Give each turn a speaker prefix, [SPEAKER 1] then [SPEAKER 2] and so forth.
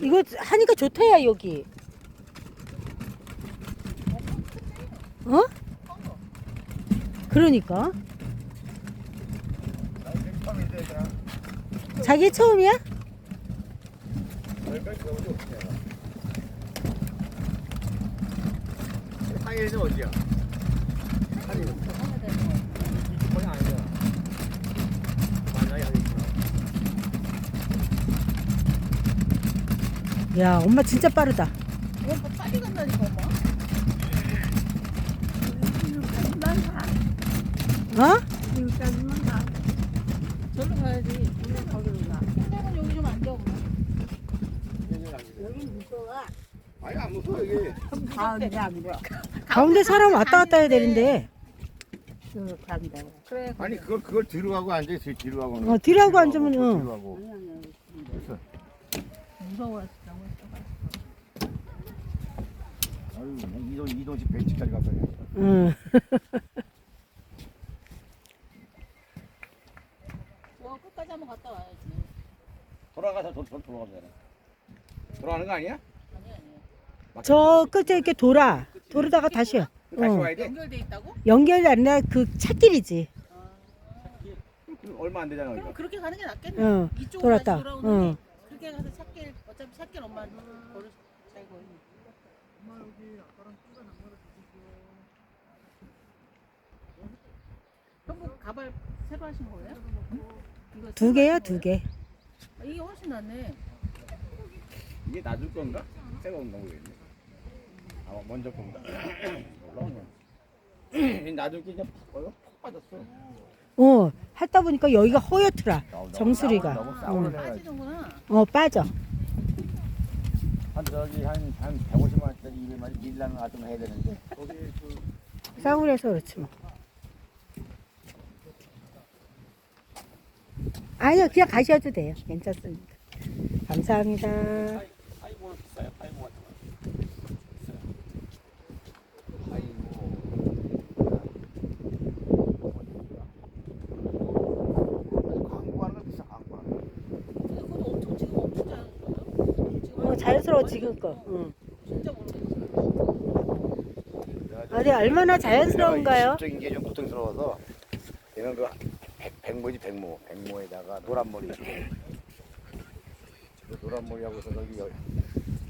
[SPEAKER 1] 이거 하니까 좋다야 여기. 어? 그러니까. 자기 처음이야?
[SPEAKER 2] 상해는 어디야? 상해는 거기 아니잖아. 만나야 하겠구나.
[SPEAKER 1] 야, 엄마 진짜 빠르다.
[SPEAKER 3] 뭐 빨리 간다니까 엄마.
[SPEAKER 1] 어?
[SPEAKER 4] 여기까지만 가.
[SPEAKER 3] 절로 가야지. 우리 거기로 가. 생각은 여기 좀 앉아 엄마.
[SPEAKER 4] 여기 무서워.
[SPEAKER 2] 아니 안 무서워 여기.
[SPEAKER 4] 가운데 앉아.
[SPEAKER 1] 가운데 사람 왔다 갔다 해야 되는데.
[SPEAKER 4] 쭉 간다.
[SPEAKER 3] 그래.
[SPEAKER 2] 아니 그걸 뒤로 하고 앉아 있어 뒤로 하고.
[SPEAKER 1] 뒤로 하고 앉으면,
[SPEAKER 2] 뒤로
[SPEAKER 1] 응.
[SPEAKER 2] 하고. 됐어.
[SPEAKER 3] 무서워서 너무
[SPEAKER 2] 아유 이동식 벤치까지 가서 해.
[SPEAKER 1] 응.
[SPEAKER 3] 저 끝까지 한번 갔다 와야지.
[SPEAKER 2] 돌아가서 돌아가면 되나? 돌아가는 거 아니야?
[SPEAKER 3] 아니 아니.
[SPEAKER 1] 저 끝에 이렇게 돌아다가 다시.
[SPEAKER 2] 다시
[SPEAKER 1] 어.
[SPEAKER 2] 와야 돼?
[SPEAKER 3] 연결돼 있다고?
[SPEAKER 1] 연결이 아니라 그 찻길이지.
[SPEAKER 2] 그럼 얼마 안 되잖아.
[SPEAKER 3] 그럼
[SPEAKER 2] 이거.
[SPEAKER 3] 그렇게 가는 게 낫겠네.
[SPEAKER 1] 응.
[SPEAKER 3] 이쪽으로
[SPEAKER 1] 돌았다.
[SPEAKER 3] 다시 돌아오는데
[SPEAKER 1] 응.
[SPEAKER 3] 그렇게 가서 찻길 어차피 찻길 엄마 걸을 살고. 형부 가발 새로 하신 거예요? 이거
[SPEAKER 1] 두
[SPEAKER 3] 새로
[SPEAKER 1] 개야,
[SPEAKER 3] 하신
[SPEAKER 1] 두
[SPEAKER 3] 거예요?
[SPEAKER 1] 개.
[SPEAKER 3] 아, 이게 훨씬 낫네.
[SPEAKER 2] 이게 놔줄 건가? 새가 온다 모르겠네. 아 먼저 건가? 올라오네. 놔줄 게 그냥 푹 빠졌어.
[SPEAKER 1] 하다 보니까 여기가 허옇더라. 정수리가.
[SPEAKER 2] 너무 싸우는 애가
[SPEAKER 3] 빠지는구나.
[SPEAKER 1] 빠져.
[SPEAKER 2] 한 저기 한 150만 원짜리 200만 원 밀라는 아좀 해야 되는데 거기
[SPEAKER 1] 싸우려서 그렇지 뭐. 아니요, 그냥 가셔도 돼요. 괜찮습니다. 감사합니다.
[SPEAKER 2] 파이볼 비싸요. 파이볼 같은 거. 파이볼. 광고하는 거 비싸 광고하는 거.
[SPEAKER 3] 근데 그것도 엄청 지금 엄청 자연스러워요. 지금
[SPEAKER 1] 자연스러워 지금 거. 응.
[SPEAKER 3] 진짜 모르겠어요.
[SPEAKER 1] 아, 네, 얼마나 자연스러운가요?
[SPEAKER 2] 적인 게 좀 고통스러워서 얘는 그 백모지 백모에다가 노란 머리. 노란 머리하고서 저기